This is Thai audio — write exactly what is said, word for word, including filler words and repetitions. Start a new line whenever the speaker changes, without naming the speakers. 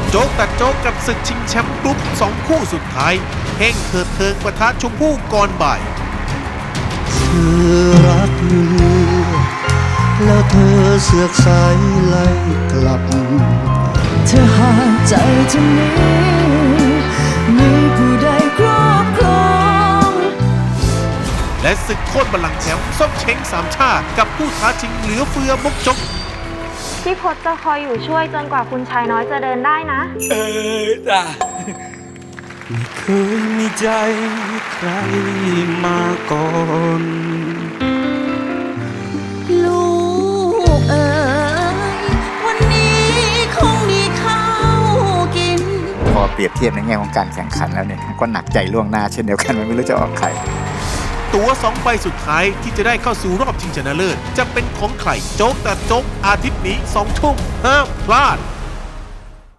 โจ๊กตัดโจ๊กกับศึกชิงแชมป์กรุ๊ปสองคู่สุดท้ายเฮ่งเถิดเทิงปะทะชมพู่ก่อนบ่าย
เธอรักเรือแล้วเธอเสือกสายไล่กลับ
เธอหากใจจะหนีมีผู้ใดครอบครอง
และศึกโค่นบัลลังก์แชมป์ส้มเช้งสามชาติกับผู้ท้าชิงเหลือเฟือมกจก
พี่พศจะคอยอยู่ช่วยจนกว่าคุณชายน้อยจะเดินได้นะ
เออจ้ะ
ไม่เคยมีใจใครมาก่อน
ลูกเอ๋ยวันนี้คงมีข้าวกิน
พอเปรียบเทียบในแง่ของการแข่งขันแล้วเนี่ยก็หนักใจล่วงหน้าเช่นเดียวกันมันไม่รู้จะออกใคร
ตั๋วสองใบสุดท้ายที่จะได้เข้าสู่รอบชิงชนะเลิศจะเป็นของใครโจ๊กตัดโจ๊กอาทิตย์นี้สองทุ่มห้ามพลาด